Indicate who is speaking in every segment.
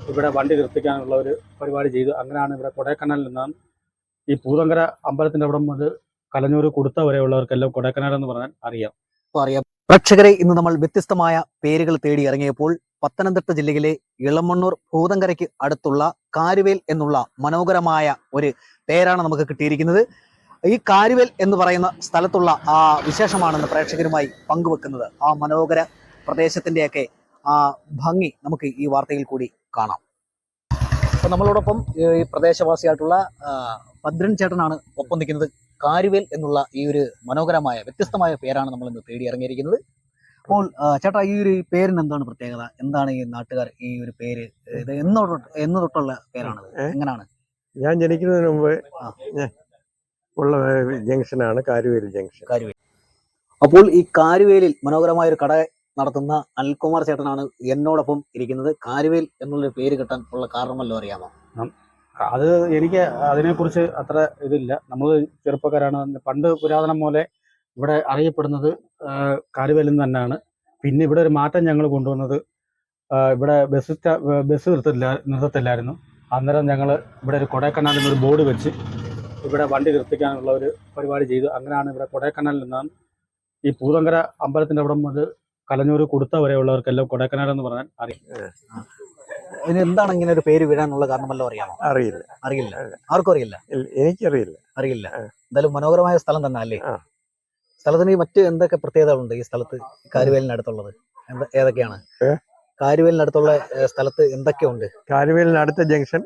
Speaker 1: ഇവിടെ വണ്ടി നിർത്തിക്കാനുള്ള ഒരു പരിപാടി ചെയ്തു. അങ്ങനെയാണ് ഇവിടെ കൊടൈക്കനാലിൽ നിന്നാണ് ഈ പൂതങ്കര അമ്പലത്തിൻ്റെ അവിടെ മുതൽ കലഞ്ഞൂർ കൊടുത്ത വരെയുള്ളവർക്കെല്ലാം കൊടൈക്കനാൽ എന്ന് പറഞ്ഞാൽ അറിയാം.
Speaker 2: പ്രേക്ഷകരെ, ഇന്ന് നമ്മൾ വ്യത്യസ്തമായ പേരുകൾ തേടി ഇറങ്ങിയപ്പോൾ പത്തനംതിട്ട ജില്ലയിലെ ഇളമണ്ണൂർ ഭൂതങ്കരയ്ക്ക് അടുത്തുള്ള കാരുവേൽ എന്നുള്ള മനോഹരമായ ഒരു പേരാണ് നമുക്ക് കിട്ടിയിരിക്കുന്നത്. ഈ കാരുവേൽ എന്ന് പറയുന്ന സ്ഥലത്തുള്ള ആ വിശേഷമാണെന്ന് പ്രേക്ഷകരുമായി പങ്കുവെക്കുന്നത്. ആ മനോഹര പ്രദേശത്തിൻ്റെയൊക്കെ ആ ഭംഗി നമുക്ക് ഈ വാർത്തയിൽ കൂടി കാണാം. അപ്പം നമ്മളോടൊപ്പം ഈ പ്രദേശവാസിയായിട്ടുള്ള ഭദ്രൻ ചേട്ടനാണ് ഒപ്പം നിൽക്കുന്നത്. കാരുവേൽ എന്നുള്ള ഈ ഒരു മനോഹരമായ വ്യത്യസ്തമായ പേരാണ് നമ്മൾ ഇന്ന് തേടി ഇറങ്ങിയിരിക്കുന്നത്. അപ്പോൾ ചേട്ടാ, ഈ ഒരു പേരിന് എന്താണ് പ്രത്യേകത? എന്താണ് ഈ നാട്ടുകാർ ഈ ഒരു പേര് ഇത് എന്ന് തൊട്ടുള്ള പേരാണ്? എങ്ങനെയാണ്?
Speaker 3: ഞാൻ ജനിക്കുന്നതിന് മുമ്പ് ഉള്ള ജംഗ്ഷനാണ് കാരുവേൽ ജംഗ്ഷൻ.
Speaker 2: കാരുവേൽ. അപ്പോൾ ഈ കാരുവേലിൽ മനോഹരമായ ഒരു കട നടത്തുന്ന അനിൽകുമാർ ചേട്ടനാണ് എന്നോടൊപ്പം ഇരിക്കുന്നത്. കാരുവേൽ എന്നുള്ളൊരു പേര് കിട്ടാൻ ഉള്ള കാരണമല്ലോ അറിയാമോ?
Speaker 1: അത് എനിക്ക് അതിനെക്കുറിച്ച് അത്ര ഇതില്ല. നമ്മൾ ചെറുപ്പക്കാരാണ്. പണ്ട് പുരാതനം പോലെ ഇവിടെ അറിയപ്പെടുന്നത് കാരുവേലിൽ നിന്ന് തന്നെയാണ്. പിന്നെ ഇവിടെ ഒരു മാറ്റം ഞങ്ങൾ കൊണ്ടുവന്നത്, ഇവിടെ ബസ് നിർത്തത്തില്ലായിരുന്നു. അന്നേരം ഞങ്ങൾ ഇവിടെ ഒരു കൊടൈക്കനാലിൽ ഒരു ബോർഡ് വെച്ച് ഇവിടെ വണ്ടി നിർത്തിക്കാനുള്ള ഒരു പരിപാടി ചെയ്തു. അങ്ങനെയാണ് ഇവിടെ കൊടൈക്കനാലിൽ നിന്നാണ് ഈ പൂതങ്കര അമ്പലത്തിൻ്റെ അവിടെ മുതൽ കലഞ്ഞൂർ കൊടുത്ത വരെയുള്ളവർക്കെല്ലാം കൊടൈക്കനാൽ എന്ന് പറഞ്ഞാൽ അറിയാം.
Speaker 2: ഇതിന് എന്താണ് ഇങ്ങനെ ഒരു പേര് വീഴാനുള്ള കാരണമല്ലോ അറിയാമോ? അറിയില്ല. ആർക്കും അറിയില്ല? അറിയില്ല. എന്തായാലും മനോഹരമായ സ്ഥലം തന്നെ അല്ലേ? സ്ഥലത്തിന് മറ്റ് എന്തൊക്കെ പ്രത്യേകതകളുണ്ട് ഈ സ്ഥലത്ത്? കാരുവേലിനടുത്തുള്ളത് ഏതൊക്കെയാണ്? കാരുവേലിനടുത്തുള്ള സ്ഥലത്ത് എന്തൊക്കെയുണ്ട്?
Speaker 3: കാരുവേലിനടുത്ത ജംഗ്ഷൻ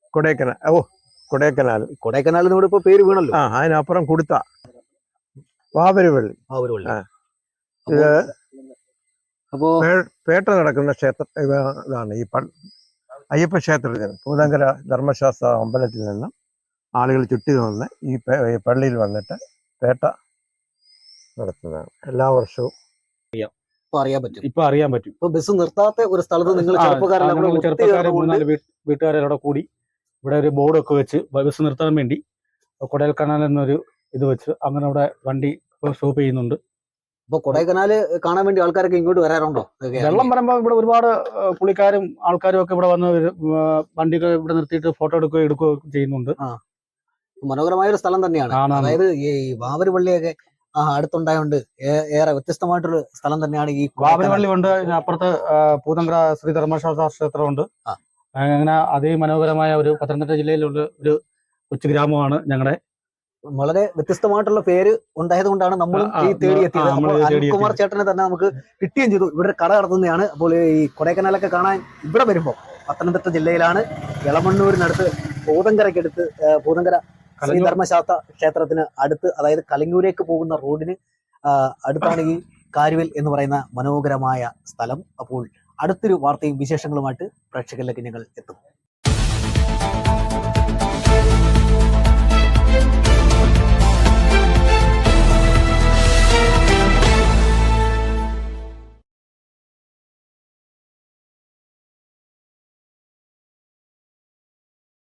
Speaker 2: കൊടൈക്കനാലിനോട് ഇപ്പൊ പേര് വീണല്ലോ.
Speaker 3: അതിനപ്പുറം കൊടുത്ത വാവരുവള്ളി. ഇത്
Speaker 2: അപ്പോ
Speaker 3: പേട്ട നടക്കുന്ന ക്ഷേത്രം ഇതാണ്. ഈ അയ്യപ്പ ക്ഷേത്രത്തിൽ പൂതങ്കര ധർമ്മശാസ്ത്ര അമ്പലത്തിൽ നിന്നും ആളുകൾ ചുറ്റി നിന്ന് ഈ പള്ളിയിൽ വന്നിട്ട് പേട്ട നടത്തുന്നതാണ്. എല്ലാ വർഷവും
Speaker 1: ഇപ്പൊ അറിയാൻ പറ്റും.
Speaker 2: ഇപ്പൊ ബസ് നിർത്താത്ത ഒരു സ്ഥലത്ത് നിങ്ങൾ
Speaker 1: ചെറുപ്പക്കാരെ 3-4 വീട്ടുകാരോടെ കൂടി ഇവിടെ ഒരു ബോർഡൊക്കെ വെച്ച് ബസ് നിർത്താൻ വേണ്ടി കൊടൈക്കനാൽ എന്നൊരു ഇത് വെച്ച് അങ്ങനെ ഇവിടെ വണ്ടി സ്റ്റോപ്പ് ചെയ്യുന്നുണ്ട്.
Speaker 2: അപ്പൊ കൊടൈക്കനാല് കാണാൻ വേണ്ടി ആൾക്കാരൊക്കെ ഇങ്ങോട്ട് വരാറുണ്ടോ?
Speaker 1: വെള്ളം വരുമ്പോ ഇവിടെ ഒരുപാട് പുള്ളിക്കാരും ആൾക്കാരും ഒക്കെ ഇവിടെ വന്ന് വണ്ടികൾ ഇവിടെ നിർത്തിയിട്ട് ഫോട്ടോ എടുക്കുകയോ ചെയ്യുന്നുണ്ട്.
Speaker 2: മനോഹരമായ ഒരു സ്ഥലം തന്നെയാണ്. അതായത് ഈ വാവരുവള്ളിയൊക്കെ അടുത്തുണ്ടായോണ്ട് ഏറെ വ്യത്യസ്തമായിട്ടൊരു സ്ഥലം തന്നെയാണ് ഈ
Speaker 1: വാവരുവള്ളി ഉണ്ട്. അപ്പുറത്ത് പൂതങ്കര ശ്രീ ധർമ്മശാസ്ത്ര ക്ഷേത്രമുണ്ട്. അങ്ങനെ അതിമനോഹരമായ ഒരു പത്തനംതിട്ട ജില്ലയിലുള്ള ഒരു കൊച്ചു ഗ്രാമമാണ് ഞങ്ങളുടെ.
Speaker 2: വളരെ വ്യത്യസ്തമായിട്ടുള്ള പേര് ഉണ്ടായത് കൊണ്ടാണ് നമ്മൾ ഈ തേടിയെത്തിയത്. അനിൽകുമാർ ചേട്ടനെ തന്നെ നമുക്ക് കിട്ടുകയും ചെയ്തു. ഇവിടെ കട നടത്തുന്നതാണ്. അപ്പോൾ ഈ കൊടൈക്കനാലൊക്കെ കാണാൻ ഇവിടെ വരുമ്പോൾ പത്തനംതിട്ട ജില്ലയിലാണ് ഇളമണ്ണൂരിനടുത്ത് പൂതങ്കരയ്ക്കടുത്ത് പൂതങ്കര ശ്രീ ധർമ്മശാസ്ത്ര ക്ഷേത്രത്തിന് അടുത്ത്, അതായത് കലങ്ങൂരേക്ക് പോകുന്ന റോഡിന് അടുത്താണ് ഈ കാരുവേൽ എന്ന് പറയുന്ന മനോഹരമായ സ്ഥലം. അപ്പോൾ അടുത്തൊരു വാർത്തയും വിശേഷങ്ങളുമായിട്ട് പ്രേക്ഷകരിലേക്ക് ഞങ്ങൾ എത്തും.